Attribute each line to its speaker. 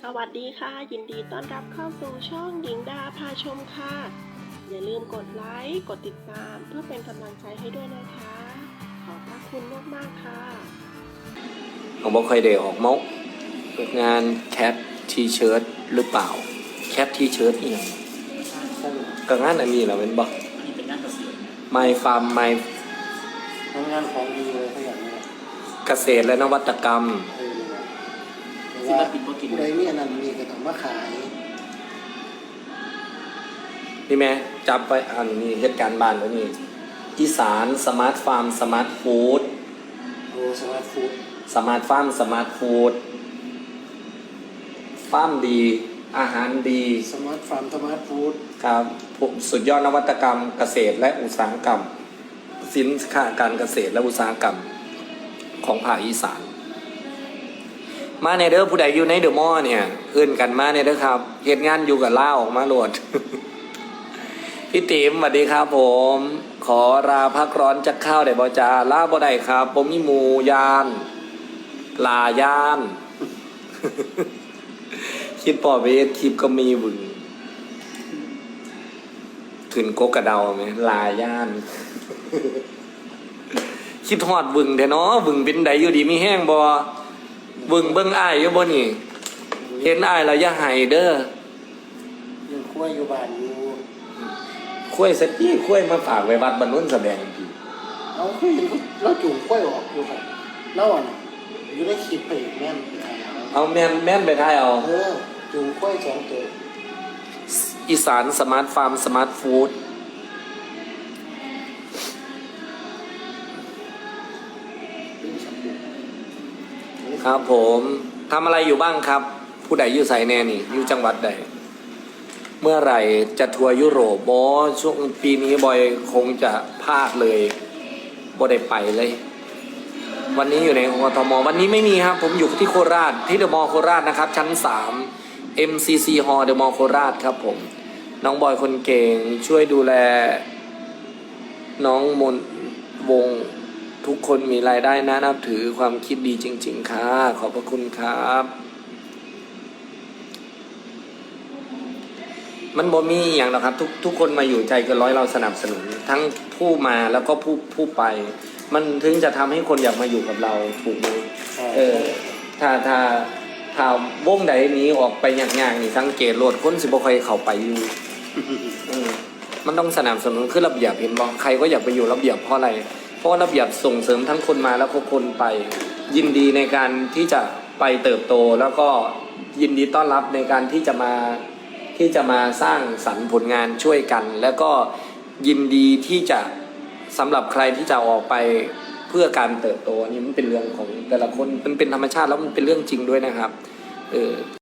Speaker 1: สวัสดีค่ะยินดีต้อนรับเข้าสู่ช่องหญิงดาพาชมค่ะอย่าลืมกดไลค์กดติดตามเพื่อเป็นกำลังใจให้ด้วยนะคะขอบพระคุณมากๆค่ะ
Speaker 2: ผมบอกเคยได้ออกมกงานแคททีเชิร์ตหรือเปล่าแคททีเชิร์ตอีกกับงานอันนี้เหรอเป็นบอก
Speaker 3: นี่เป็นงานเกษตร
Speaker 2: My Farm My
Speaker 3: งานของดีเลยถ้าอย่างนี้
Speaker 2: เกษตรและนวัตกรรม
Speaker 3: ศิลปินก็กิน
Speaker 4: ได้มีอันนั้นมีกระถางมาขาย
Speaker 2: นี่แม่จับไปอันนี้เหตุการณ์บ้านแล้วนี่อีสานสมาร์ทฟาร์มสมาร์ทฟู้ด
Speaker 4: โอ้สมาร์ทฟู้ด
Speaker 2: สมาร์ทฟาร์มสมาร์ทฟู้ดฟาร์มดีอาหารดี
Speaker 4: สมาร์ทฟาร์มสมาร์ทฟู้ด
Speaker 2: ครับสุดยอดนวัตกรรมเกษตรและอุตสาหกรรมสินค้าการเกษตรและอุตสาหกรรมของภาคอีสานมาในเด้อผู้ใดอยู่ในเดอะมอลล์เนี่ยเอื้นกันมาในเด้อครับเหตุงานอยู่กับล่าออกมาโหลด พี่ติ๋มสวัสดีครับผมขอลาพักร้อนจากข้าวได้บ่จ้าลาบ่ได้ครับผมมีหมูยานลายาน คิดปอเวทคลิปก็มีบึงถึงโกกระเดาไหมลาย่าน คิดหอดบึงแต่เนาะบึงเป็นใดอยู่ดีมีแห้งบ่บึงเบิ่งอ้ายอยู่บ่นี่เห็นอ้ายแล้วอย่าให้เด้อ
Speaker 4: ยังคุ้ยอยู่บ้านอยู่
Speaker 2: คุ้ยสักทีคุ้ยมาฝากไว้วัดบรรลุนแสดงพี่
Speaker 4: เอาเคยเห็นเราจุ่มคุ้ยออกอยู่ครับแล้วอ่ะอยู่ได้คลิปไปอีกแม่นไปถ่ายเอา
Speaker 2: เอาแม่นไปท้ายเอา
Speaker 4: จุ่มคุ้ยสองตัว
Speaker 2: อีสานสมาร์ทฟาร์มสมาร์ทฟู้ดครับผมทำอะไรอยู่บ้างครับ ผู้ใดอยู่ไสแน่นี่อยู่จังหวัดใดเมื่อไหร่จะทัวร์ยุโรปบอช่วงปีนี้บอยคงจะพลาดเลยบ่ได้ไปเลย วันนี้อยู่ในกทมวันนี้ไม่มีครับผมอยู่ที่โคราชที่เดอะมอลล์โคราชนะครับชั้น3 MCC Hall เดอะมอลล์โคราชครับผมน้องบอยคนเก่งช่วยดูแลน้องมนวงทุกคนมีรายได้นะนับถือความคิดดีจริงๆค่ะขอบพระคุณครับมันบ่มีอย่างหรอกครับทุกคนมาอยู่ใจเกินร้อยเราสนับสนุนทั้งผู้มาแล้วก็ผู้ไปมันถึงจะทำให้คนอยากมาอยู่กับเราถูกไหมถ้าวงใดนี้ออกไปอย่างนี่สังเกตโหลดคนสิบ่ค่อยเข้าไปอยู่ มันต้องสนับสนุนคือระเบียบเห็นบอกใครก็อยากไปอยู่ระเบียบเพราะอะไรเพราะระเบียบส่งเสริมทั้งคนมาแล้วก็คนไปยินดีในการที่จะไปเติบโตแล้วก็ยินดีต้อนรับในการที่จะมาสร้างสรรค์ผลงานช่วยกัน แล้วก็ยินดีที่จะสำหรับใครที่จะออกไปเพื่อการเติบโตนี่มันเป็นเรื่องของแต่ละคนมันเป็นธรรมชาติแล้วมันเป็นเรื่องจริงด้วยนะครับ